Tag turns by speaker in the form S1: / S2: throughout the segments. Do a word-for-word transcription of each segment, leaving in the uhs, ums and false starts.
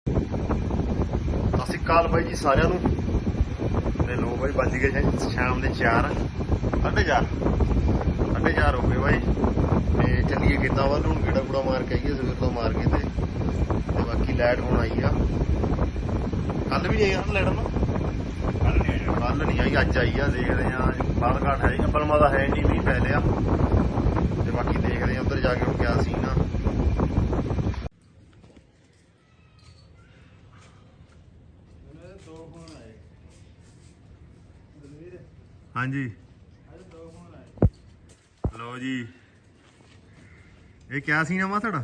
S1: ਸਤਿ ਸ਼੍ਰੀ ਅਕਾਲ ਬਾਈ ਜੀ ਸਾਰਿਆਂ ਨੂੰ। ਤੇ ਲੋ ਬਾਈ ਵੱਜ ਗਏ ਜੀ ਸ਼ਾਮ ਦੇ ਚਾਰ ਸਾਢੇ ਚਾਰ ਸਾਢੇ ਚਾਰ ਹੋ ਗਏ ਬਾਈ। ਤੇ ਚੱਲੀਏ ਖੇਤਾਂ ਵੱਲ ਹੁਣ ਗੇੜਾ ਗੂੜਾ ਮਾਰ ਕੇ ਆਈਏ ਸਵੇਰ ਤੋਂ ਮਾਰ ਕੇ ਤੇ ਤੇ ਬਾਕੀ ਲਾਈਟ ਹੁਣ ਆਈ ਆ। ਕੱਲ ਵੀ ਨਹੀਂ ਆਈ ਲਾਈਟ ਨਾ, ਕੱਲ ਨਹੀਂ ਆਈ ਕੱਲ ਨਹੀਂ ਆਈ ਅੱਜ ਆਈ ਆ। ਦੇਖਦੇ ਆ ਬਾਹਰ ਘਾਟ ਹੈ ਬਲਮਾ ਦਾ ਹੈ ਨਹੀਂ, ਮੀਂਹ ਪੈ ਲਿਆ ਤੇ ਬਾਕੀ ਦੇਖਦੇ ਆ ਉੱਧਰ ਜਾ ਕੇ ਹੁਣ ਕਿਆ ਸੀ ਨਾ। ਹਾਂਜੀ ਲੋ ਜੀ, ਇਹ ਕਿਆ ਸੀ ਨਾ ਤੁਹਾਡਾ?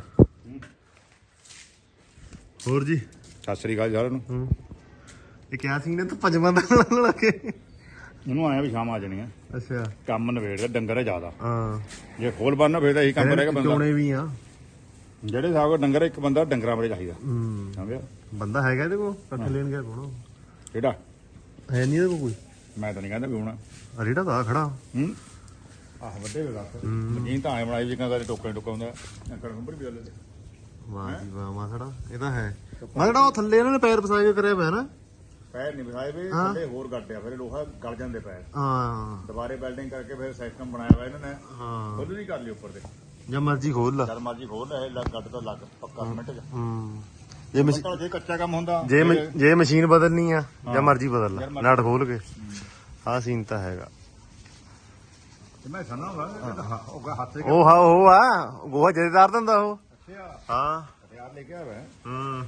S1: ਹੋਰ ਜੀ
S2: ਸਤਿ ਸ੍ਰੀ ਅਕਾਲ ਸਾਰਿਆਂ ਨੂੰ।
S1: ਇਹ ਕਿਆ ਸੀ ਨੇ ਤੂੰ ਪੰਜਵਾਂ ਦਾ ਲਾਉਣ ਲੱਗੇ?
S2: ਇਹਨੂੰ ਆਇਆ ਵੀ ਸ਼ਾਮ ਆ ਜਾਣੀ ਆ।
S1: ਅੱਛਾ
S2: ਕੰਮ ਨਵੇੜਦਾ, ਡੰਗਰ ਹੈ ਜ਼ਿਆਦਾ।
S1: ਹਾਂ
S2: ਜੇ ਖੋਲ ਬੰਨ ਫੇਰ ਤਾਂ ਇਹੀ ਕੰਮ ਕਰੇਗਾ ਬੰਦਾ।
S1: ਚੋਣੇ ਵੀ ਆ
S2: ਜਿਹੜੇ ਹਿਸਾਬ ਨਾਲ ਡੰਗਰ ਇੱਕ ਬੰਦਾ ਡੰਗਰਾਂ ਬਾਰੇ ਚਾਹੀਦਾ।
S1: ਹੂੰ
S2: ਸਮਝਿਆ?
S1: ਬੰਦਾ ਹੈਗਾ ਇਹਦੇ ਕੋਲ? ਕੱਠ ਲੈਣ ਗਿਆ ਕੋਣ?
S2: ਕਿਹੜਾ
S1: ਹੈ ਨਹੀਂ ਇਹਦੇ ਕੋਲ ਕੋਈ?
S2: ਮੈਂ ਤਾਂ ਨਹੀਂ ਕਹਿੰਦਾ ਵੀ ਹੋਣਾ।
S1: ਰੇੜਾ ਤਾਂ ਖੜਾ।
S2: ਹੂੰ ਆਹ ਵੱਡੇ ਵੇ ਦੱਸ ਮਸ਼ੀਨ ਤਾਂ ਆਏ ਬਣਾਈ ਜਿੱਕਾਂ ਕਦੇ ਟੋਕਾ ਟੋਕਾ ਹੁੰਦਾ ਅੰਕਲ ਨੰਬਰ ਵੀ ਲੈ।
S1: ਵਾਹ ਜੀ ਵਾਹ ਮਾਸੜਾ, ਇਹ ਤਾਂ ਹੈ ਮਾਸੜਾ। ਉਹ ਥੱਲੇ ਇਹਨਾਂ ਨੇ ਪੈਰ ਫਸਾ ਕੇ ਕਰਿਆ ਪਿਆ ਨਾ।
S2: ਪੈਰ ਨਹੀਂ ਵਿਸਾਏ ਵੇ, ਥੱਲੇ ਹੋਰ ਗੱਡਿਆ ਫਿਰ ਲੋਹਾ ਗਲ ਜਾਂਦੇ ਪੈਰ।
S1: ਹਾਂ
S2: ਦੁਬਾਰੇ ਵੈਲਡਿੰਗ ਕਰਕੇ ਫਿਰ ਸਿਸਟਮ ਬਣਾਇਆ ਹੋਇਆ ਇਹਨਾਂ ਨੇ।
S1: ਹਾਂ
S2: ਖੁੱਲ ਨਹੀਂ ਕਰ ਲਈ ਉੱਪਰ ਤੇ,
S1: ਜਾਂ ਮਰਜੀ ਖੋਲ ਲਾ,
S2: ਜਦ ਮਰਜੀ ਖੋਲ ਲੈ। ਲੱਗ ਗੱਡ ਤਾਂ ਲੱਗ ਪੱਕਾ ਮਿੰਟ ਚ।
S1: ਹੂੰ ਜੇ ਮਸ਼ੀ-
S2: ਪੱਕਾ ਜੇ ਕੱਚਾ ਕੰਮ ਹੁੰਦਾ
S1: ਜੇ ਮ- ਜੇ ਮਸ਼ੀਨ ਬਦਲਣੀ ਆ ਜਾਂ ਮਰਜੀ ਬਦਲ ਲਾ, ਨਟ ਖੋਲ ਕੇ। ਆਹ ਸੀਨ ਤਾਂ ਹੈਗਾ।
S2: ਮੈਂ ਸੁਣਾ ਵਾ ਉਹ ਹੱਥ
S1: ਉਹ ਹਾਂ ਉਹ ਆ ਗੋਹਾ ਜਥੇਦਾਰ ਦਿੰਦਾ ਉਹ।
S2: ਅੱਛਾ
S1: ਹਾਂ
S2: ਹਥਿਆਰ ਲੈ ਕੇ ਆਇਆ।
S1: ਹੂੰ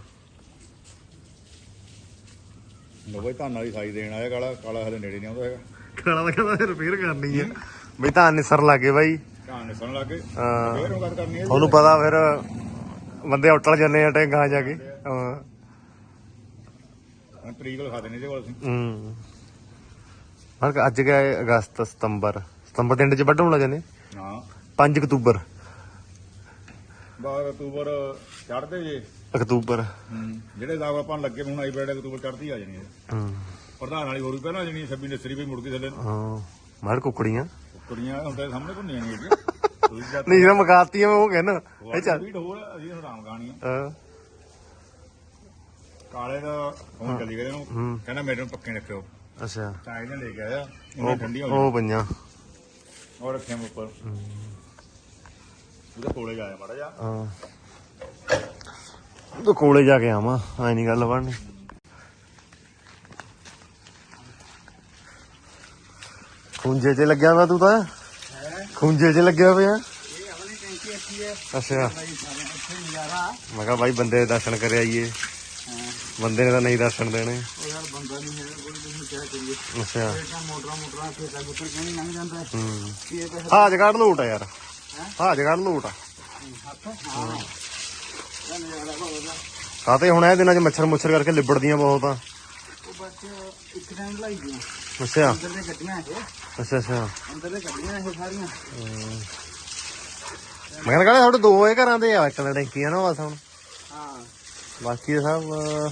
S2: ਲੋ ਬਈ ਧਾਨ ਵਾਲੀ ਸਾਈ ਦੇਣ ਆਇਆ। ਕਾਲਾ ਕਾਲਾ ਹਲੇ ਨੇੜੇ ਨਹੀਂ ਆਉਂਦਾ ਹੈਗਾ।
S1: ਖਾਣਾ ਤਾਂ ਕਹਿੰਦਾ ਰਿਪੇਅਰ ਕਰਨੀ ਆ ਬਈ, ਤਾਂ ਨਿਸਰ ਲੱਗੇ ਬਾਈ।
S2: ਧਾਨ ਨਿਸਣ ਲੱਗੇ
S1: ਹਾਂ
S2: ਫੇਰ ਉਹ ਗੱਲ ਕਰਨੀ ਹੈ।
S1: ਤੁਹਾਨੂੰ ਪਤਾ ਫਿਰ ਬੰਦੇ ਉੱਟਲ ਜਾਂਦੇ ਆ ਟੈਂਕਾਂ ਜਾ ਕੇ। ਹਾਂ
S2: ਹੁਣ ਤਰੀਕ ਲਿਖਾ ਦੇਣੀ ਇਹਦੇ ਕੋਲ ਅਸੀਂ।
S1: ਹੂੰ ਹਰ ਅੱਜ ਗਏ ਅਗਸਤ ਸਤੰਬਰ ਸਤੰਬਰ ਦੇ ਐਂਡ ਚ ਵੱਢਣ ਲੱਗ ਜਾਂਦੇ।
S2: ਹਾਂ
S1: ਪੰਜ ਅਕਤੂਬਰ
S2: ਬਾਅਦ ਅਕਤੂਬਰ ਚੜ੍ਹਦੇ ਜੇ।
S1: ਅਕਤੂਬਰ
S2: ਜਿਹੜੇ ਹਿਸਾਬ ਆਪਾਂ ਨੂੰ ਲੱਗੇ ਹੁਣ ਆਈ ਬੈਡ ਅਕਤੂਬਰ ਚੜ੍ਹਦੀ ਆ ਜਾਣੀ ਹੈ।
S1: ਹੂੰ
S2: ਪ੍ਰਧਾਨ ਵਾਲੀ ਹੋਰ ਵੀ ਪਹਿਲਾਂ ਆ ਜਾਣੀ ਹੈ। ਛੱਬੀ ਨਸਰੀ ਵੀ ਮੁੜ ਕੇ ਥੱਲੇ ਨੂੰ
S1: ਹਾਂ ਮਾਰ ਕੁੱਕੜੀਆਂ
S2: ਕੁੜੀਆਂ ਹੁਣ ਤੇਰੇ ਸਾਹਮਣੇ ਘੁੰਮੀਆਂ ਨਹੀਂ
S1: ਨਹੀਂ ਜਿਹੜਾ ਮਕਾਤੀਆਂ ਮੈਂ ਉਹ ਕਹਿਣਾ ਇਹ ਚੱਲ।
S2: ਵੀਡ ਹੋਰ ਅਸੀਂ ਹੁਣ ਰਾਮ ਗਾਣੀਆਂ।
S1: ਹਾਂ
S2: ਕਾਲੇ ਦਾ ਫੋਨ ਚੱਲੀ ਗਿਆ ਇਹਨੂੰ, ਕਹਿੰਦਾ ਮੇਰੇ ਨੂੰ ਪੱਕੇ ਰੱਖਿਓ।
S1: ਅੱਛਾ
S2: ਤਾਂ ਇਹਨੇ ਲੈ ਕੇ ਆਇਆ ਇਹਨਾਂ ਠੰਡੀਆਂ ਹੋ
S1: ਉਹ ਪਈਆਂ
S2: ਔਰ ਰੱਖਿਆ ਮੈਂ ਉੱਪਰ। ਉਹਦੇ ਕੋਲੇ ਜਾਇਆ ਮਾੜਾ ਜਾ।
S1: ਹਾਂ ਤੂੰ ਕੋਲੇ ਜਾ ਕੇ ਆਵਾਂ, ਐ ਨਹੀਂ ਗੱਲ ਬਣਨੀ। ਖੁੰਝੇ 'ਚ ਲੱਗਿਆ ਵਾ ਤੂੰ ਤਾਂ, ਖੁੰਝੇ 'ਚ ਲੱਗਿਆ ਪਿਆ। ਅੱਛਾ ਮੈਂ ਕਿਹਾ ਬਾਈ ਬੰਦੇ ਦੇ ਦਰਸ਼ਨ ਕਰ ਆਈਏ। ਬੰਦੇ ਨੇ ਤਾਂ ਨਹੀਂ ਦਰਸ਼ਨ ਦੇਣੇ। ਅੱਛਾ ਹਾਜ ਕੱਢ ਲੋਟ ਆ ਯਾਰ, ਹਾਜ ਕੱਢ ਲੋਟ ਆ। ਕਾਤੇ ਹੁਣ ਇਹ ਦਿਨਾਂ ਚ ਮੱਛਰ ਮੁੱਛਰ ਕਰਕੇ ਲਿਬੜਦੀਆਂ ਬਹੁਤ ਆ। ਅੱਛਾ ਅੱਛਾ ਅੱਛਾ ਮੈਂ ਕਹਿੰਦਾ ਤੁਹਾਡੇ ਦੋ ਇਹ ਘਰਾਂ ਦੇ ਆ, ਇੱਕ ਤਾਂ ਟੈਂਕੀਆਂ ਨਾ ਬਸ ਹੁਣ। ਬਾਕੀ ਸਭ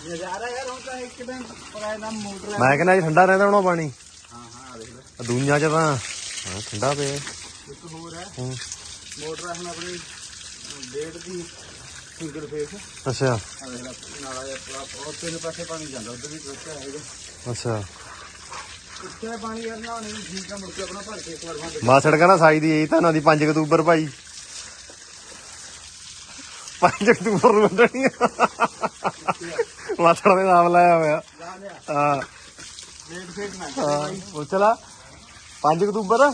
S1: ਮੈਂ ਕਹਿੰਦਾ ਜੀ ਠੰਡਾ ਰਹਿੰਦਾ ਹੋਣਾ ਪਾਣੀ। ਦੁਨੀਆ ਚ ਤਾਂ ਹਾਂ ਠੰਡਾ ਪਿਆ।
S3: ਮੋਟਰ ਹੁਣ ਆਪਣੀ ਡੇਢ ਦੀ ਸਿੰਗਲ ਫੇਸ।
S1: ਅੱਛਾ
S3: ਨਾਲਾ ਉਹ ਤਿੰਨ ਪਾਸੇ ਪਾਣੀ ਜਾਂਦਾ, ਉਧਰ ਵੀ ਟਰੱਕ ਹੈਗਾ।
S1: ਅੱਛਾ
S3: ਇੱਥੇ ਪਾਣੀ ਕਰਨਾ ਉਹਨੇ ਵੀ ਠੀਕ ਆ, ਮੁੜ ਕੇ ਆਪਣਾ ਭਰ ਕੇ ਇੱਕ ਵਾਰ ਬੰਦ।
S1: ਮਾਸੜ ਕਹਿੰਦਾ ਸਾਈ ਦੀ ਇਹੀ ਤਾਂ ਦੀ ਪੰਜ ਅਕਤੂਬਰ ਭਾਈ, ਪੰਜ ਅਕਤੂਬਰ ਨੂੰ ਵੱਢਣੀ ਆ। ਮਾਸੜ ਦੇ ਨਾਮ ਲਾਇਆ ਹੋਇਆ। ਹਾਂ
S3: ਡੇਢ ਫੇਸ ਨਾ
S1: ਹਾਂ ਪੁੱਛ ਲਾ ਪੰਜ ਅਕਤੂਬਰ।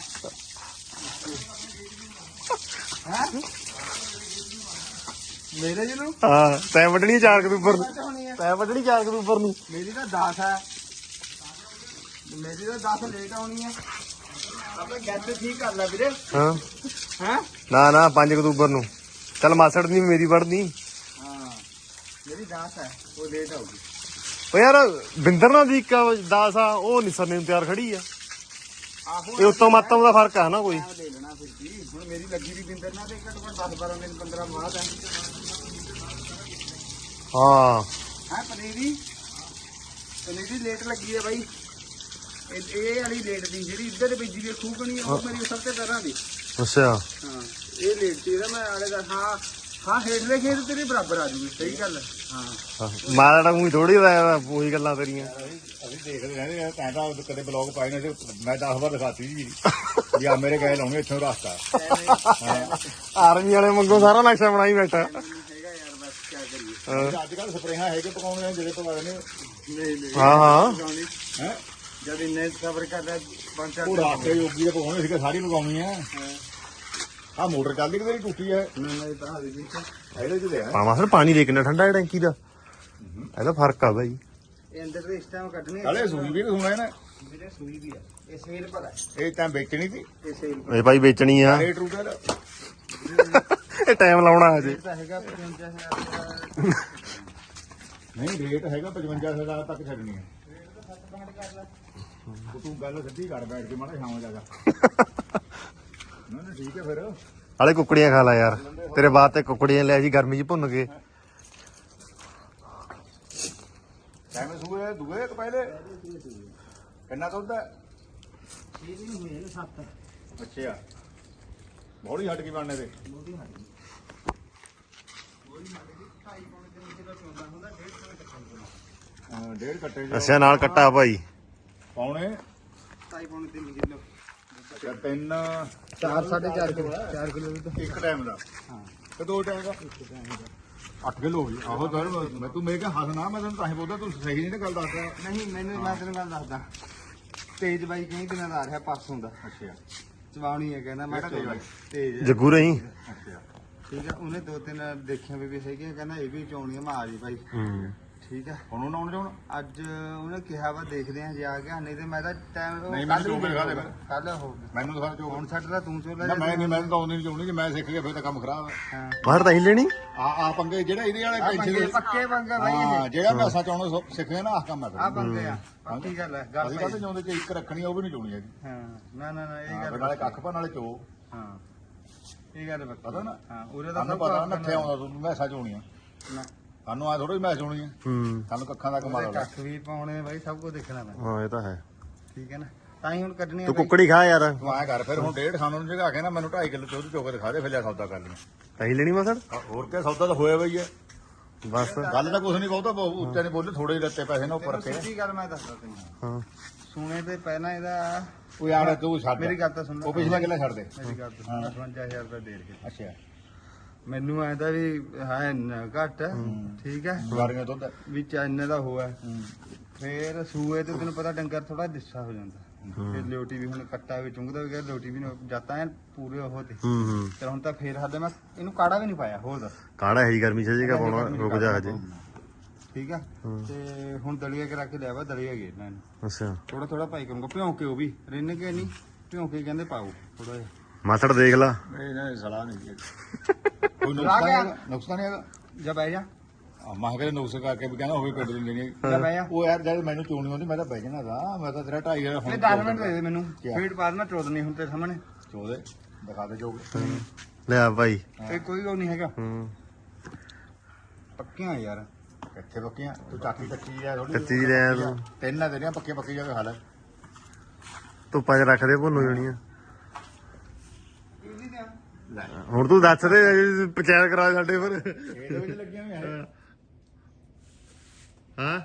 S3: ਮੇਰੇ ਜਿਹਨੂੰ
S1: ਹਾਂ ਤੈਂ ਵੱਢਣੀ ਚਾਰ ਅਕਤੂਬਰ ਨੂੰ, ਤੈਂ ਵੱਢਣੀ ਚਾਰ ਅਕਤੂਬਰ ਨੂੰ।
S3: ਮੇਰੀ ਤਾਂ ਦਸ ਹੈ, ਮੇਰੀ ਤਾਂ ਦਸ ਲੇਟ ਆਉਣੀ ਹੈ। ਆਪਣੇ ਗੱਤ ਠੀਕ ਕਰ ਲੈ ਵੀਰੇ।
S1: ਹਾਂ
S3: ਹੈ
S1: ਨਾ ਨਾ ਪੰਜ ਅਕਤੂਬਰ ਨੂੰ। ਚੱਲ ਮਾਸੜ ਦੀ ਮੇਰੀ ਵੱਢਣੀ।
S3: ਹਾਂ ਮੇਰੀ ਦਸ ਹੈ, ਉਹ ਲੇਟ ਆਊਗੀ।
S1: ਉਹ ਯਾਰ ਬਿੰਦਰ ਨਾਲ ਦੀ ਇੱਕ ਦਸ ਆ, ਉਹ ਨਿਸਰ ਨੇ ਤਿਆਰ ਖੜੀ ਆ।
S3: ਆਹੋ
S1: ਇਹ ਉੱਤੋਂ ਮਾਤਮ ਦਾ ਫਰਕ ਆ ਨਾ ਕੋਈ।
S3: ਲੈ ਲੈਣਾ ਫਿਰ ਕੀ। ਹੁਣ ਮੇਰੀ ਲੱਗੀ ਵੀ ਬਿੰਦਰ ਨਾਲ ਤੇ ਘੱਟੋ ਘੱਟ ਦਸ ਬਾਰਾਂ ਦਿਨ ਪੰਦਰਾਂ ਬਾਅਦ ਹੈ।
S1: ਹਾਂ
S3: ਹੈ ਪਨੀਰੀ ਪਨੀਰੀ ਲੇਟ ਲੱਗੀ ਹੈ ਬਾਈ। ਇਹ ਇਹ ਵਾਲੀ ਲੇਟ ਦੀ ਜਿਹੜੀ ਇੱਧਰ ਬੀਜੀ ਦੀ ਖੂਕਣੀ ਉਹ ਮੇਰੀ ਸਭ ਤੋਂ ਪਹਿਲਾਂ ਦੀ।
S1: ਅੱਛਾ
S3: ਹਾਂ ਇਹ ਲੇਟ ਸੀ ਇਹਦਾ। ਮੈਂ ਆਲੇ ਦਾ ਹਾਂ ਹਾਂ ਹੇਠਲੇ ਖੇਤ ਤੇਰੇ ਬਰਾਬਰ ਆ ਜੂਗੇ ਸਹੀ ਗੱਲ ਹੈ। ਹਾਂ
S1: ਮਾਰਾ ਤਾਂ ਮੂੰਹ ਥੋੜੀ ਹੋਇਆ ਉਹੀ ਗੱਲਾਂ ਤੇਰੀਆਂ।
S2: ਅਸੀਂ ਦੇਖਦੇ ਰਹਿੰਦੇ ਆ ਤੈਂ ਤਾਂ ਕਦੇ ਬਲੌਗ ਪਾਏ ਨੇ ਮੈਂ ਦਸ ਵਾਰ ਦਿਖਾਤੀ ਜੀ ਵੀ ਆ ਮੇਰੇ ਗਏ ਲਾਉਣੇ ਇੱਥੋਂ ਰਸਤਾ।
S1: ਆਰਮੀ ਵਾਲੇ ਮੰਗੋ ਸਾਰਾ ਨਕਸ਼ਾ ਬਣਾਈ ਬੈਠਾ।
S3: ਹੈਗਾ ਯਾਰ ਬਸ ਕੀ ਕਰੀਏ।
S2: ਅੱਜ ਕੱਲ ਸਪਰੇਹਾਂ ਹੈਗੇ ਪਕਾਉਣੇ ਜਿਹੜੇ ਪਵਾ ਨੇ
S3: ਨਹੀਂ ਨਹੀਂ
S1: ਹਾਂ ਹਾਂ
S2: ਹੈ
S3: ਜਦ ਇੰਨੇ ਸਬਰ ਕਰਦਾ ਪੰਜ ਚਾਰ
S2: ਉਹ ਰਾਸਤੇ ਯੋਗੀ ਦੇ ਪਕਾਉਣੇ ਸੀਗੇ ਸਾਰੀ ਪਕਾਉਣੀ ਆ। ਆ ਮੋਟਰ ਚੱਲਦੀ ਕਿ ਤੇਰੀ ਟੁੱਟੀ ਹੈ
S3: ਨਹੀਂ ਤਾਂ ਹਾਲੇ ਵੀ
S2: ਇਹਦੇ ਚ ਦੇ
S1: ਪਾਵਾਂ ਫਿਰ ਪਾਣੀ ਦੇ ਕਿੰਨਾ ਠੰਡਾ ਟੈਂਕੀ ਦਾ ਇਹਦਾ ਫਰਕ ਆ ਬਾਈ।
S3: ਇਹ ਅੰਦਰ ਦੇ ਇਸ ਟਾਈਮ ਕੱਢਣੇ
S2: ਹਲੇ ਸੂਈ ਵੀ ਤਾਂ ਸੁਣਾ ਇਹਨੇ
S3: ਮੇਰੇ ਸੂਈ ਵੀ ਆ ਇਹ ਸੇਲ ਪਰ ਹੈ
S2: ਇਹ ਤਾਂ ਵੇਚਣੀ ਸੀ
S3: ਇਹ ਸੇਲ
S1: ਇਹ ਭਾਈ ਵੇਚਣੀ ਆ
S2: ਰੇਟ ਰੂਟ ਇਹਦਾ
S1: ਇਹ ਟਾਈਮ ਲਾਉਣਾ ਹਜੇ।
S3: ਤਾਂ ਹੈਗਾ ਪਚਵੰਜਾ ਹਜ਼ਾਰ
S2: ਨਹੀਂ ਰੇਟ ਹੈਗਾ ਪਚਵੰਜਾ ਹਜ਼ਾਰ ਤੱਕ ਛੱਡਣੀ ਹੈ। ਉਹ ਤੂੰ ਗੱਲ ਸਿੱਧੀ ਕਰ ਬੈਠ ਕੇ ਮਾੜਾ ਸ਼ਾਮ ਜਾਗਾ ਨਾ ਨਾ ਠੀਕ ਹੈ ਫਿਰ
S1: ਹਾਲੇ ਕੁੱਕੜੀਆਂ ਖਾ ਲੈ ਯਾਰ ਤੇਰੇ ਬਾਅਦ ਤੇ ਕੁੱਕੜੀਆਂ ਲੈ ਜੀ ਗਰਮੀ ਚ ਭੁੰਨ ਕੇ।
S2: ਟਾਈਮ ਸੂਏ ਦੂਏ ਕਿ ਪਹਿਲੇ ਕਿੰਨਾ ਦੁੱਧ ਹੈ
S3: ਇਹ ਨਹੀਂ ਹੋਏ ਨੇ ਸੱਤ
S2: ਅੱਛਾ ਬੋਲੀ ਹਟ ਕੇ ਬਣਨੇ ਦੇ
S3: ਮੋਦੀ ਹਾਲੀ ਕੋਈ ਮਾੜੇ ਦੀ ਢਾਈ ਪੌਣੇ ਤਿੰਨ ਕਿਲੋ ਚੋਂਦਾ ਹੁੰਦਾ ਡੇਢ ਕਿਲੋ ਕੱਟਾ
S2: ਅਹ ਡੇਢ ਕੱਟੇ ਜੋ
S1: ਅੱਛਾ ਨਾਲ ਕੱਟਾ ਭਾਈ
S2: ਪੌਣੇ
S3: ਢਾਈ ਪੌਣੇ ਤਿੰਨ ਕਿਲੋ
S2: ਅੱਛਾ ਤਿੰਨ
S3: ਚਾਰ ਸਾਢੇ ਚਾਰ ਕਿਲੋ ਚਾਰ ਕਿਲੋ ਵੀ ਤਾਂ
S2: ਇੱਕ ਟਾਈਮ ਦਾ
S3: ਹਾਂ
S2: ਤੇ ਦੋ ਟਾਈਮ ਦਾ ਅੱਠ ਕਿਲੋ ਹੋ ਗਈ ਆਹੋ ਸਰ ਮੈਂ ਤੂੰ ਮੇਰੇ ਕੇ ਹੱਸ ਨਾ ਮੈਂ ਤੈਨੂੰ ਤਾਂ ਹੀ ਬੋਲਦਾ ਤੂੰ ਸਹੀ ਨਹੀਂ ਨਾ ਗੱਲ ਦੱਸਦਾ
S3: ਨਹੀਂ ਮੈਨੂੰ ਮੈਂ ਤੈਨੂੰ ਗੱਲ ਦੱਸਦਾ ਤੇਜ ਬਾਈ ਕਈ ਦਿਨਾਂ ਦਾ ਆ ਰਿਹਾ ਪਰਸੋਂ ਦਾ
S2: ਅੱਛਾ
S3: ਚਵਾਉਣੀ ਹੈ ਕਹਿੰਦਾ ਮੈਂ
S2: ਕਿਹੜਾ ਤੇਜ ਬਾਈ?
S3: ਤੇਜ
S1: ਜੱਗੂ ਰਹੀ।
S2: ਅੱਛਾ
S3: ਠੀਕ ਹੈ ਉਹਨੇ ਦੋ ਤਿੰਨ ਦੇਖਿਆ ਵੀ ਵੀ ਹੈਗੀਆਂ ਕਹਿੰਦਾ ਇਹ ਵੀ ਚੋਣੀ ਆ ਮੈਂ ਆ ਜੀ ਭਾਈ
S1: ਹੂੰ
S3: ਠੀਕ ਹੈ
S2: ਹੁਣ ਉਹਨਾਂ ਆਉਣ ਜਾਣ
S3: ਅੱਜ ਉਹਨੇ ਕਿਹਾ ਵਾ ਦੇਖਦੇ ਆ ਜੇ ਆ ਗਿਆ ਨਹੀਂ ਤੇ ਮੈਂ ਤਾਂ ਟਾਈਮ
S2: ਨਹੀਂ, ਮੈਨੂੰ ਚੋਣ ਦਿਖਾ ਦੇ ਫਿਰ।
S3: ਕੱਲ ਹੋ ਗਿਆ
S2: ਮੈਨੂੰ ਦਿਖਾ ਜੋ
S3: ਹੁਣ ਛੱਡ ਦਾ ਤੂੰ ਚੋਲਾ
S2: ਨਾ ਮੈਂ ਨਹੀਂ ਮੈਂ ਤਾਂ ਆਉਂਦੀ ਨਹੀਂ ਚਾਹੁੰਦੀ ਜੇ ਮੈਂ ਸਿੱਖ ਗਿਆ ਫਿਰ ਤਾਂ ਕੰਮ ਖਰਾਬ ਹੈ
S3: ਹਾਂ
S1: ਬਾਹਰ ਤਾਂ ਹੀ ਲੈਣੀ
S2: ਆ ਆ ਪੰਗੇ ਜਿਹੜਾ ਇਹਦੇ ਵਾਲੇ
S3: ਆਹ
S2: ਪੈਸੇ
S3: ਪੰਗੇ
S2: ਦੇ
S3: ਪੱਕੇ ਪੰਗੇ ਬਾਈ
S2: ਹਾਂ
S3: ਇਹ
S2: ਜਿਹੜਾ ਮੈਂ ਸੱਚ ਆਉਣਾ ਸਿੱਖ ਗਿਆ ਨਾ ਆਹ ਕੰਮ ਹੈ
S3: ਆ ਪੰਗੇ ਆ ਪੱਕੀ ਗੱਲ ਹੈ ਗੱਲ
S2: ਅਸੀਂ
S3: ਭਾਈ।
S2: ਕਹਿੰਦੇ ਚਾਹੁੰਦੇ ਕਿ ਇੱਕ ਰੱਖਣੀ ਆ ਉਹ ਵੀ ਨਹੀਂ ਚਾਉਣੀ ਹੈਗੀ
S3: ਹਾਂ ਨਾ ਨਾ ਨਾ ਇਹ
S2: ਹਾਂ,
S3: ਗੱਲ
S2: ਫਿਰ ਨਾਲੇ ਕੱਖ ਭਾ ਨਾਲੇ ਚੋ
S3: ਹਾਂ ਇਹ ਗੱਲ ਪੱਕੀ
S2: ਪਤਾ ਨਾ
S3: ਹਾਂ ਉਹਦੇ ਦਾ
S2: ਸਾਨੂੰ
S3: ਸਭ
S2: ਪਤਾ
S3: ਕੁਛ
S2: ਨੱਥੇ ਆਉਂਦਾ ਤੂੰ ਮੈਸਾ ਚੋਣੀਆਂ
S3: ਨਾ
S2: ਸਾਨੂੰ ਆ ਥੋੜੀ ਮੈਸ ਹੋਣੀ ਆ
S1: ਹੂੰ
S2: ਸਾਨੂੰ ਕੱਖਾਂ ਦਾ ਕਮਾਲ
S3: ਉਹਦੇ
S2: ਆ
S3: ਕੱਖ ਵੀ ਪਾਉਣੇ ਬਾਈ ਸਭ ਕੁਝ ਦੇਖਣਾ ਪੈਂਦਾ
S1: ਹਾਂ ਇਹ ਤਾਂ ਹੈ।
S3: ਠੀਕ ਹੈ ਨਾ ਤਾਂ ਹੀ ਹੁਣ ਕੱਢਣੀ ਆ
S1: ਤੂੰ
S3: ਬਾਈ।
S1: ਕੁੱਕੜੀ ਖਾ ਯਾਰ
S2: ਤੂੰ ਆਇਆ ਕਰ ਫਿਰ ਹੁਣ ਡੇਢ ਖਾਣ ਨੂੰ ਜਗਾ ਕੇ ਨਾ ਮੈਨੂੰ ਢਾਈ ਕਿਲੋ ਦੁੱਧ ਚੋ ਕੇ ਦਿਖਾ ਦੇ ਫਿਰ ਲਿਆ ਸੌਦਾ ਕਰ ਲਈ
S1: ਅਹੀਂ ਲੈਣੀ ਮਸੜ
S2: ਹੋਰ ਕਿਆ ਸੌਦਾ ਤਾਂ ਹੋਇਆ ਬਈ ਹੈ
S1: ਬਸ
S2: ਗੱਲ ਤਾਂ ਕੁਛ ਨਹੀਂ ਬਹੁਤਾ ਬਹੁ- ਉੱਚਾ ਨਹੀਂ ਬੋਲੇ ਥੋੜੇ ਹੀ ਲੱਤੇ ਪੈਸੇ ਨੇ ਉੱਪਰ
S3: ਤੈਨੂੰ
S2: ਰੱਖੇ
S3: ਸਿੱਧੀ ਗੱਲ ਮੈਂ ਦੱਸਦਾ ਤੈਨੂੰ
S1: ਹਾਂ
S3: ਸੁਣੇ ਤੇ ਪਹਿਲਾਂ ਇਹਦਾ
S2: ਉਹ ਯਾਰ ਤੂੰ ਛੱਡ
S3: ਮੇਰੀ ਗੱਲ ਤਾਂ ਸੁਣ ਲੈ।
S2: ਉਹ ਪਿਛਲਾ ਕਿੱਲਾ ਛੱਡ ਦੇ
S3: ਮੇਰੀ ਗੱਲ ਤਾਂ ਸੁਣ ਅਠਵੰਜਾ ਹਜ਼ਾਰ ਰੁਪਏ ਦੇ ਕੇ
S2: ਅੱਛਾ
S3: ਮੈਨੂੰ ਐਂਦਾ ਵੀ ਹੈ ਨ- ਘੱਟ ਠੀਕ ਹੈ
S2: ਗਾਰੀਆਂ ਦੁੱਧ
S3: ਵੀ ਚੈਨ ਦਾ ਹੋਇਆ ਫੇਰ ਸੂਏ ਤੇ ਤੈਨੂੰ ਪਤਾ ਡੰਗਰ ਥੋੜਾ ਦਿਸਾ ਹੋ ਜਾਂਦਾ ਫਿਰ ਲੋਟੀ ਵੀ ਹੁਣ ਕੱਟਾ ਵੀ ਚੁੰਗਦਾ ਵੀ ਗਿਆ ਲੋਟੀ ਵੀ ਜਾਤਾ ਐ ਪੂਰੇ ਉਹ ਤੇ
S1: ਹੂੰ ਹੂੰ
S3: ਤੇ ਹੁਣ ਤਾਂ ਫੇਰ ਹੱਦ ਮੈਂ ਇਹਨੂੰ ਕਾੜਾ ਵੀ ਨਹੀਂ ਪਾਇਆ ਹੋਰ ਦੱਸ
S1: ਕਾੜਾ ਹੈ ਜੀ ਗਰਮੀ ਚ ਜੇਗਾ ਪਾਉਣਾ ਰੁਕ ਜਾ ਹਜੇ।
S3: ਠੀਕ ਆ ਤੇ ਹੁਣ ਦਲੀਆ ਕਰਾ ਕੇ ਲਿਆ ਵਾ ਦਲੀਆ ਗੇਰਨਾ ਇਹਨੂੰ
S1: ਅੱਛਾ
S3: ਥੋੜਾ ਥੋੜਾ ਪਾਈ ਕਰੂੰਗਾ ਭਿਉਂ ਕੇ ਉਹ ਵੀ ਰਿੰਨ ਕੇ ਨਹੀਂ ਭਿਉਂ ਕੇ ਕਹਿੰਦੇ ਪਾਓ ਥੋੜਾ ਜਿਹਾ
S1: ਮਾਸੜ ਦੇਖ ਲਾ
S2: ਇਹ ਨਾ ਸਲਾਹ ਨਹੀਂ ਹੈ ਕੋਈ
S3: ਲਾ
S2: ਨੁਕਸਾਨ
S3: ਗਿਆ।
S2: ਹੈਗਾ ਨੁਕਸਾਨ ਨਹੀਂ ਹੈਗਾ
S3: ਜਾ ਬਹਿ ਜਾ
S2: ਆ ਮਾਹ ਕੇ ਨੁਕਸ ਕਰਕੇ ਵੀ ਕਹਿੰਦਾ ਹੋਵੇ ਪਿੰਡ ਦਿੰਦੇ ਨਹੀਂ
S3: ਜਾ ਬਹਿ ਜਾ
S2: ਉਹ ਯਾਰ ਜਦ ਮੈਨੂੰ ਚੋਣੀ ਆਉਂਦੀ ਮੈਂ ਤਾਂ ਬਹਿ ਜਾਣਾ ਦਾ ਮੈਂ ਤਾਂ ਤੇਰਾ ਢਾਈ ਹਜ਼ਾਰ
S3: ਇਹ
S2: ਹੁਣ
S3: ਦਸ ਮਿੰਟ ਦੇ ਦੇ ਮੈਨੂੰ
S2: ਕਿਆ?
S3: ਫੀਡ ਪਾ ਦੇਣਾ ਚੋਦ ਨਹੀਂ ਹੁਣ ਤੇ ਸਾਹਮਣੇ
S2: ਚੋਦੇ ਦਿਖਾ ਦੇ ਜੋ
S1: ਲਿਆ ਭਾਈ
S3: ਇਹ ਕੋਈ ਉਹ ਨਹੀਂ ਹੈਗਾ
S1: ਹੂੰ
S3: ਪੱਕੀਆਂ ਯਾਰ
S2: ਕਿੱਥੇ ਪੱਕੀਆਂ ਤੂੰ ਚਾਕੀ ਕੱਚੀ ਆ ਥੋੜੀ
S1: ਕੱਚੀ ਰਹਿ ਤੂੰ।
S2: ਤਿੰਨ ਆ ਤੇਰੀਆਂ ਪੱਕੀਆਂ ਪੱਕੀ ਜਾ ਕੇ ਖਾ ਲੈ
S1: ਧੁੱਪਾਂ 'ਚ ਰੱਖ ਦੇ ਭੁੰਨ ਜਾਣੀਆਂ।
S3: ਇਹਦੀ ਤਾਂ
S2: ਲੈ
S1: ਹੁਣ ਤੂੰ ਦੱਸ ਦੇ ਪੰਚਾਇਤ ਕਰਾ ਸਾਡੇ ਫਿਰ
S2: ਇਹਦੇ ਵਿੱਚ ਲੱਗੀਆਂ ਹੋਈਆਂ ਹੈ
S1: ਹਾਂ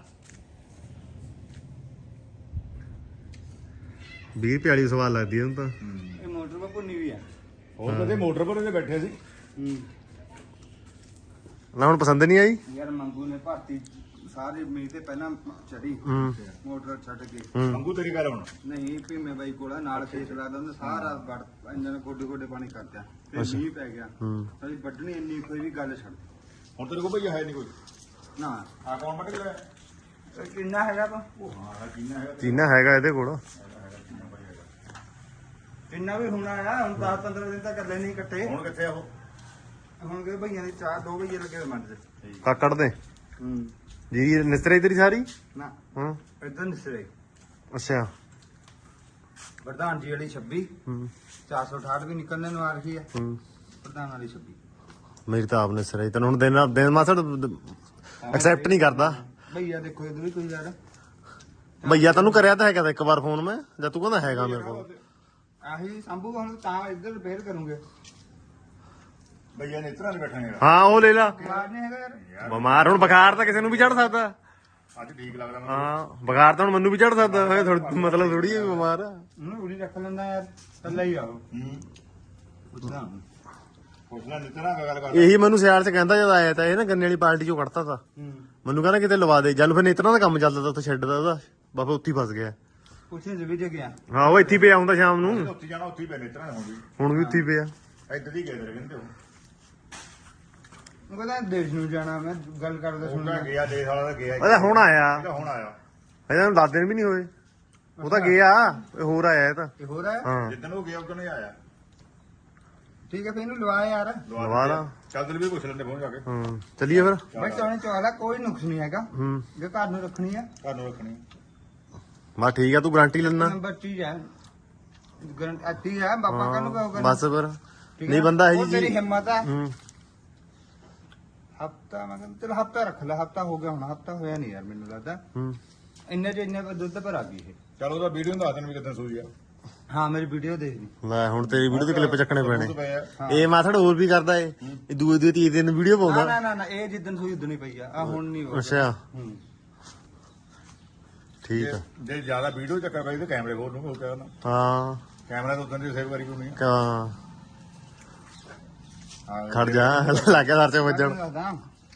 S1: ਵੀਹ ਪਿਆਲੀ ਸਵਾਲ ਲੱਗਦੀ ਇਹਨੂੰ ਤਾਂ।
S3: ਇਹ ਮੋਟਰ ਮਾ ਭੁੰਨੀ ਵੀ ਆ
S2: ਹੋਰ ਕਦੇ ਮੋਟਰ ਪਰ ਉਹਦੇ ਬੈਠੇ ਸੀ
S3: ਹੂੰ
S1: ਨਾ ਹੁਣ ਪਸੰਦ ਨਹੀਂ ਆਈ।
S3: ਯਾਰ ਮੰਗੂ ਨੇ ਭਾਰਤੀ ਸਾਰੇ ਮੀਂਹ ਤੇ ਪਹਿਲਾਂ ਚੜੀ
S1: ਹੂੰ
S3: ਮੋਟਰ ਛੱਡ ਕੇ
S1: ਹੂੰ
S2: ਮੰਗੂ ਤੇਰੀ ਗੱਲ ਹੁਣ
S3: ਨਹੀਂ ਭੀਮੇ ਬਾਈ ਕੋਲ ਨਾਲ ਖੇਤ ਲੱਗਦਾ ਹੁੰਦਾ ਸਾਰਾ ਵੜ ਇੰਨਾਂ ਨੇ ਗੋਡੇ ਗੋਡੇ ਪਾਣੀ ਕਰਦਾ ਤੇ ਮੀਂਹ ਪੈ ਗਿਆ
S1: ਹੂੰ
S3: ਸਾਡੀ ਵੱਢਣੀ ਇੰਨੀ ਕੋਈ ਵੀ ਗੱਲ ਛੱਡ
S2: ਹੁਣ ਤੇਰੇ ਕੋਲ ਭਈਆ ਹੈ ਨਹੀਂ ਕੋਈ
S3: ਨਾ
S2: ਆ ਕੌਣ ਵੱਢ ਕੇ ਲਿਆ
S3: ਇਹ ਕਿੰਨਾ ਹੈਗਾ ਤਾਂ
S2: ਉਹ ਹਾਂ ਹੈ ਕਿੰਨਾ ਹੈਗਾ
S1: ਚੀਨਾ ਹੈਗਾ ਇਹਦੇ ਕੋਲ।
S3: ਕਿੰਨਾ ਵੀ ਹੋਣਾ ਆ ਹੁਣ ਦਸ ਪੰਦਰਾਂ ਦਿਨ ਤਾਂ ਇਕੱਲੇ ਨਹੀਂ ਕੱਟੇ
S2: ਹੁਣ ਕਿੱਥੇ ਆ ਉਹ
S3: ਹੁਣ ਕਿ ਭਈਆਂ ਦੀ ਚਾਰ ਦੋ ਭਈਏ ਲੱਗੇ ਹੋਏ ਮੰਡ ਤੇ
S1: ਕਾ ਕੱਢ ਦੇ
S3: ਹੂੰ
S1: ਜੀ ਨਿਸਰੇ ਤੇਰੀ ਸਾਰੀ।
S3: ਨਾ
S1: ਹਾਂ
S3: ਇਦਾਂ ਨਿਸਰੇ
S1: ਅੱਛਾ
S3: ਪ੍ਰਧਾਨ ਜੀ ਵਾਲੀ ਛੱਬੀ
S1: ਹੂੰ
S3: ਚਾਰ ਸੌ ਅਠਾਹਠ ਵੀ ਨਿਕਲਣੇ ਨੂੰ ਆ ਰਹੀ ਹੈ
S1: ਹੂੰ
S3: ਪ੍ਰਧਾਨ ਵਾਲੀ ਛੱਬੀ
S1: ਮੇਰੀ ਤਾਂ ਆਪ ਨਿਸਰੇ ਤੈਨੂੰ ਹੁਣ ਦਿਨ ਦਿਨ ਮਾਸੜ ਐਕਸੈਪਟ ਨਹੀਂ ਕਰਦਾ।
S3: ਭਈਆ ਦੇਖੋ ਇਧਰ ਵੀ ਕੋਈ ਯਾਰ
S1: ਭਈਆ ਤੈਨੂੰ ਕਰਿਆ ਤਾਂ ਹੈਗਾ ਤਾਂ ਇੱਕ ਵਾਰ ਫੋਨ ਮੈਂ ਜਾਂ ਤੂੰ ਕਹਿੰਦਾ ਹੈਗਾ ਮੇਰੇ ਕੋਲ।
S3: ਆਹੀ ਸੰਭੂ ਹੁਣ ਤਾਂ ਇੱਧਰ ਫੇਰ ਕਰੂੰਗੇ
S2: ਬਈਆ ਨੇ ਇਤਰਾ ਨਹੀਂ ਬੈਠਣੇ ਯਾਰ
S1: ਹਾਂ ਉਹ ਲੈ ਲਾ
S3: ਬਿਮਾਰ ਨਹੀਂ ਹੈਗਾ ਯਾਰ
S1: ਬਿਮਾਰ ਹੁਣ ਬੁਖਾਰ ਤਾਂ ਕਿਸੇ ਨੂੰ ਵੀ ਚੜ ਸਕਦਾ
S2: ਅੱਜ ਠੀਕ ਲੱਗਦਾ ਮੈਨੂੰ
S1: ਹਾਂ ਬੁਖਾਰ ਤਾਂ ਹੁਣ ਮੈਨੂੰ ਵੀ ਚੜ ਸਕਦਾ ਹੋਏ ਮਤਲਬ ਥੋੜੀ ਹੈ ਬਿਮਾਰ ਆ
S3: ਉਹਨੂੰ ਉਰੀ ਰੱਖ ਲੈਂਦਾ ਯਾਰ ਕੱਲਾ ਹੀ ਆਓ
S2: ਹੂੰ
S3: ਪੁੱਛਦਾ
S2: ਪੁੱਛਣਾ ਨਹੀਂ ਤੇਰਾ ਗੱਲ ਕਰ
S1: ਇਹੀ ਮੈਨੂੰ ਸਿਆਲ ਚ ਕਹਿੰਦਾ ਜਦ ਆਇਆ ਤਾਂ ਇਹ ਨਾ ਗੰਨੇ ਵਾਲੀ ਪਾਰਟੀ ਚੋਂ ਕੱਢਤਾ ਤਾ
S3: ਹੂੰ
S1: ਮੈਨੂੰ ਕਹਿੰਦਾ ਕਿਤੇ ਲਵਾ ਦੇ ਜਲ ਫਿਰ ਨੇਤਰਾਂ ਦਾ ਕੰਮ ਚੱਲਦਾ ਤਾ ਉੱਥੇ ਛੱਡ ਦਾ ਉਹਦਾ ਬਾਬਾ ਉੱਥੇ ਹੀ ਫਸ ਗਿਆ
S3: ਪੁੱਛੇ ਜਵੀ ਜੇ ਗਿਆ
S1: ਹਾਂ ਉਹ ਇੱਥੇ ਹੀ ਪਿਆ ਹੁੰਦਾ ਸ਼ਾਮ ਨੂੰ
S2: ਉੱਥੇ ਜਾਣਾ ਉੱਥੇ ਹੀ ਪੈਣੇ ਇਤਰਾ ਹੁਣ ਵੀ
S1: ਹੁਣ ਵੀ ਉੱਥੇ ਹੀ ਪਿਆ
S2: ਇੱਧਰ ਹੀ ਗਏ ਤੇਰੇ ਕਹਿੰਦੇ ਉਹ
S3: ਉਹ ਕਹਿੰਦਾ ਦੇਸ਼ ਨੂੰ ਜਾਣਾ ਮੈਂ ਗੱਲ ਕਰਦਾ
S2: ਉਹ
S3: ਸੁਣਦਾ
S2: ਤਾਂ ਗਿਆ ਦੇਸ਼ ਵਾਲਾ ਤਾਂ ਗਿਆ
S1: ਉਹਦਾ ਹੁਣ ਆਇਆ
S2: ਇਹਦਾ ਹੁਣ ਆਇਆ
S1: ਇਹਨਾਂ ਨੂੰ ਦਸ ਦਿਨ ਵੀ ਨਹੀਂ ਹੋਏ ਉਹ ਤਾਂ ਗਿਆ ਇਹ ਹੋਰ ਆਇਆ ਇਹ ਤਾਂ
S3: ਇਹ ਹੋ ਰਿਹਾ
S1: ਹਾਂ
S2: ਜਿੱਦਣ ਉਹ ਗਿਆ ਉਦੋਂ ਹੀ ਆਇਆ
S3: ਠੀਕ ਹੈ ਫੇ ਇਹਨੂੰ ਲਵਾ ਯਾਰ
S1: ਲਵਾ ਲਾ
S2: ਚੱਲ ਦਿਲ ਵੀ ਪੁੱਛ ਲੈਂਦੇ ਪਹੁੰਚ ਜਾ ਕੇ
S1: ਹਾਂ ਚੱਲੀਏ ਫਿਰ
S3: ਬਈ ਚੌਣੇ ਚੌਲਾ ਕੋਈ ਨੁਕਸ ਨਹੀਂ ਹੈਗਾ
S1: ਹੂੰ
S3: ਜੇ ਘਰ ਨੂੰ ਰੱਖਣੀ ਆ
S2: ਘਰ ਨੂੰ ਰੱਖਣੀ
S1: ਬਸ ਠੀਕ ਆ ਤੂੰ ਗਾਰੰਟੀ ਲੈਣਾ
S3: ਨੰਬਰ ਚੀਜ਼ ਹੈ ਗਰੰਟੀ ਅੱਤੀ ਹੈ ਬਾਬਾ ਕਾ ਨੂੰ ਕਹੋਗਾ
S1: ਬਸ ਫਿਰ ਨਹੀਂ ਬੰਦਾ ਹੈ
S3: ਉਹ
S1: ਜੀ
S3: ਤੇਰੀ
S1: ਜੀ
S3: ਹਿੰਮਤ ਆ
S1: ਹੂੰ
S3: ਹਫਤਾ ਮੈਂ ਕਹਿੰਦਾ ਚਲ ਹਫਤਾ ਰੱਖ ਲੈ ਹਫਤਾ ਹੋ ਗਿਆ ਹੁਣ ਹਫਤਾ ਹੋਇਆ ਨਹੀਂ ਯਾਰ ਮੈਨੂੰ ਲੱਗਦਾ
S1: ਹੂੰ
S3: ਇੰਨੇ ਚ ਇੰਨੇ ਦੁੱਧ ਪਰ ਆ ਗਈ ਇਹ
S2: ਚੱਲ ਉਹਦਾ ਵੀਡੀਓ ਦੱਸ ਦੇਣ ਵੀ ਕਿੱਦਾਂ ਸੂਈ ਆ
S3: ਹਾਂ ਮੇਰੀ ਵੀਡੀਓ ਦੇਖ ਲਈ
S1: ਲੈ ਹੁਣ ਤੇਰੀ ਵੀਡੀਓ ਦੇ ਕਲਿੱਪ ਚੱਕਣੇ ਪੈਣੇ
S2: ਦੁੱਧ ਪਿਆ
S3: ਹਾਂ।
S1: ਇਹ ਮਾਥੜ ਹੋਰ ਵੀ ਕਰਦਾ ਏ ਇਹ ਦੂਏ ਦੂਏ ਤੀਏ ਦਿਨ ਵੀਡੀਓ
S3: ਨਾ
S1: ਪਾਉਂਦਾ
S3: ਨਾ ਨਾ ਨਾ ਇਹ ਜਿੱਦਣ ਸੂਈ ਉਦੋਂ ਨਹੀਂ ਪਈ ਆ ਆ ਹੁਣ ਨਹੀਂ ਹੋਇਆ।
S1: ਅੱਛਾ
S3: ਹੂੰ
S1: ਠੀਕ ਆ
S2: ਜੇ- ਜੇ ਜ਼ਿਆਦਾ ਵੀਡੀਓ ਚੱਕਰ ਪਈ ਤੇ ਕੈਮਰੇ ਖੋਲ ਨੂੰ ਹੋ ਗਿਆ ਨਾ
S1: ਹਾਂ
S2: ਕੈਮਰਾ ਤਾਂ ਉਦੋਂ ਦੀ ਸੇਵ ਕਰੀ ਹੋਣੀ ਆ
S1: ਕਾ
S2: ਹਾਂ
S1: ਖੜ ਜਾ ਲੱਗ ਗਿਆ ਸਰਚੇ ਵੱਜਣ
S3: ਮੈਂ ਦੱਸਦਾ,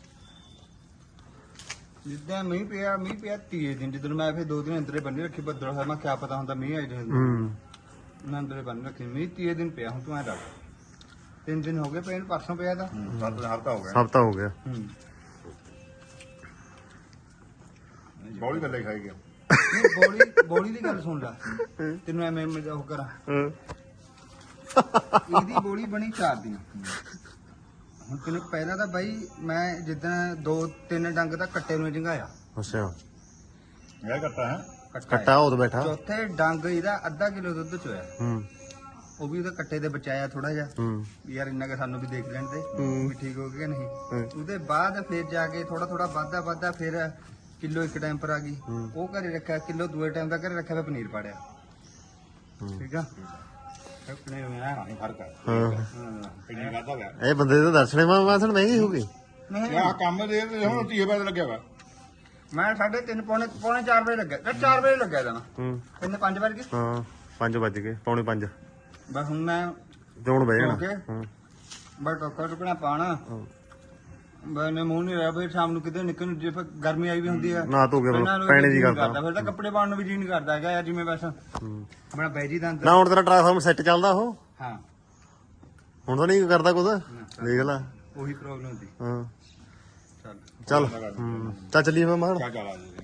S3: ਜਿੱਦਾਂ ਮੀਂਹ ਪਿਆ ਮੀਂਹ ਪਿਆ ਤੀਏ ਦਿਨ ਜਦੋਂ ਮੈਂ ਫਿਰ ਦੋ ਦਿਨ ਅੰਦਰੇ ਬੰਨੀ ਰੱਖੀ ਬੱਦਲ ਹੋਇਆ ਮੈਂ ਕਿਆ ਪਤਾ ਹੁੰਦਾ ਮੀਂਹ ਆਈ ਜਾਂਦਾ
S1: ਹੂੰ
S3: ਮੈਂ ਅੰਦਰੇ ਬੰਨ ਰੱਖੀ ਮੀਂਹ ਤੀਏ ਦਿਨ ਪਿਆ ਹੁਣ ਤੂੰ ਐ ਰੱਖ ਤਿੰਨ ਦਿਨ ਹੋ ਗਏ ਪਏ ਨੂੰ, ਪਰਸੋਂ ਪਿਆ ਤਾਂ
S2: ਸੱਤ ਦਿਨ ਹਫਤਾ ਹੋ ਗਿਆ
S1: ਹਫਤਾ ਹੋ ਗਿਆ
S3: ਹੂੰ
S2: ਬੌਲੀ ਗੱਲੇ ਖਾਈ ਗਿਆ
S3: ਨਹੀਂ ਬੋਲੀ ਬੋਲੀ ਦੀ ਗੱਲ ਸੁਣ ਲੈ ਤੈਨੂੰ ਐਵੇਂ ਮੈਂ ਉਹ ਕਰਾਂ
S1: ਹਾਂ।
S3: ਇਹਦੀ ਬੋਲੀ ਬਣੀ ਚਾਰ ਦਿਨ ਹੁਣ ਤੈਨੂੰ ਪਹਿਲਾਂ ਤਾਂ ਬਾਈ ਮੈਂ ਜਿੱਦਾਂ ਦੋ ਤਿੰਨ ਡੰਗ ਦਾ ਕੱਟੇ ਨੂੰ ਜੰਗਾਇਆ
S1: ਅੱਛਾ
S2: ਇਹ ਘੱਟਾ ਹੈ
S3: ਕੱਟਾ
S1: ਕੱਟਾ ਉਹ ਬੈਠਾ
S3: ਚੌਥੇ ਡੰਗ ਇਹਦਾ ਅੱਧਾ ਕਿਲੋ ਦੁੱਧ ਚੋਇਆ
S1: ਹੂੰ
S3: ਉਹ ਵੀ ਉਹਦੇ ਕੱਟੇ ਤੇ ਬਚਾਇਆ ਥੋੜਾ ਜਿਹਾ
S1: ਹੂੰ
S3: ਵੀ ਯਾਰ ਇੰਨਾ ਕਿ ਸਾਨੂੰ ਵੀ ਦੇਖ ਲੈਣ ਦੇ
S1: ਹੂੰ।
S3: ਵੀ ਠੀਕ ਹੋ ਗਿਆ ਕਿ ਨਹੀਂ
S1: ਹੂੰ।
S3: ਉਹਦੇ ਬਾਅਦ ਫਿਰ ਜਾ ਕੇ ਥੋੜਾ ਥੋੜਾ ਵਾਧਾ ਵਾਧਾ ਫਿਰ ਕਿਲੋ ਇੱਕ ਟਾਈਮ ਪਰ ਆ ਗਈ
S1: ਹੂੰ।
S3: ਉਹ ਘਰੇ ਰੱਖਿਆ ਕਿਲੋ ਦੂਏ ਟਾਈਮ ਦਾ ਘਰੇ ਰੱਖਿਆ ਫਿਰ ਪਨੀਰ ਪਾੜਿਆ
S1: ਹੂੰ।
S3: ਠੀਕ ਆ ਫਿਰ ਪਨੀਰ ਮੈਂ
S2: ਪਾਣੀ ਫਰਕ ਹੈ
S1: ਹਾਂ
S2: ਕਿੰਨੀ ਵਾਧਾ ਗਿਆ
S1: ਇਹ ਬੰਦੇ ਦੇ ਦਰਸ਼ਨੇ ਮਾ ਮਾਸਣ ਮਹਿੰਗੇ ਹੋ ਗਏ
S3: ਨਹੀਂ
S2: ਯਾ ਕੰਮ ਦੇ ਤੇ ਹੁਣ ਤੀਏ ਪੈਸੇ ਲੱਗਿਆ ਵਾ
S3: ਮੈਂ ਸਾਢੇ ਤਿੰਨ ਪੌਣੇ ਪੌਣੇ ਚਾਰ ਵਜੇ ਲੱਗਿਆ ਤੇ ਚਾਰ ਵਜੇ ਲੱਗਿਆ ਜਾਣਾ
S1: ਹੂੰ
S3: ਕਿੰਨੇ ਪੰਜ ਵਜੇ
S1: ਹਾਂ ਪੰਜ ਵੱਜ ਗਏ ਪੌਣੇ ਪੰਜ
S3: ਬਸ ਹੁਣ ਮੈਂ
S1: ਤੇ ਹੁਣ ਬਹਿ
S3: ਓਕੇ।
S1: ਜਾਣਾ ਹੂੰ
S3: ਬਸ ਟੋਕਾ ਟੁਕਣਾ ਪਾਣਾ ਬਨੇ ਮੂੰਹ ਨਹੀਂ ਰਿਹਾ ਬਈ ਸ਼ਾਮ ਨੂੰ ਕਿਤੇ ਨਿਕਲ ਨੂੰ ਜੇ ਫਿਰ ਗਰਮੀ ਆਈ ਵੀ ਹੁੰਦੀ ਆ
S1: ਨਾ ਧੋ ਕੇ
S3: ਪਹਿਲਾਂ ਨੂੰ
S1: ਪੈਣੇ
S3: ਜੀਅ
S1: ਦੀ
S3: ਨਹੀਂ
S1: ਕਰਦਾ
S3: ਫਿਰ ਤਾਂ ਕੱਪੜੇ ਪਾਉਣ ਨੂੰ ਵੀ ਜੀ ਨਹੀਂ ਕਰਦਾ ਹੈਗਾ ਯਾਰ ਜਿਵੇਂ ਬਸ
S1: ਹੂੰ।
S3: ਆਪਣਾ ਬੈਜੀ ਦਾ ਅੰਦਰ
S1: ਨਾ ਹੁਣ ਤੇਰਾ ਟ੍ਰਾਂਸਫਾਰਮਰ ਸੈੱਟ ਚੱਲਦਾ ਉਹ
S3: ਹਾਂ
S1: ਹੁਣ ਤਾਂ ਨਹੀਂ ਕਰਦਾ ਕੁਝ ਦੇਖ ਲੈ
S3: ਉਹੀ ਪ੍ਰੋਬਲਮ ਹੁੰਦੀ
S1: ਹਾਂ
S3: ਚੱਲ
S1: ਚੱਲ ਹੂੰ ਚੱਲ ਚੱਲੀਏ ਮੈਂ ਮਾਰ
S2: ਕਿਆ ਚਾਲਾ ਜੀ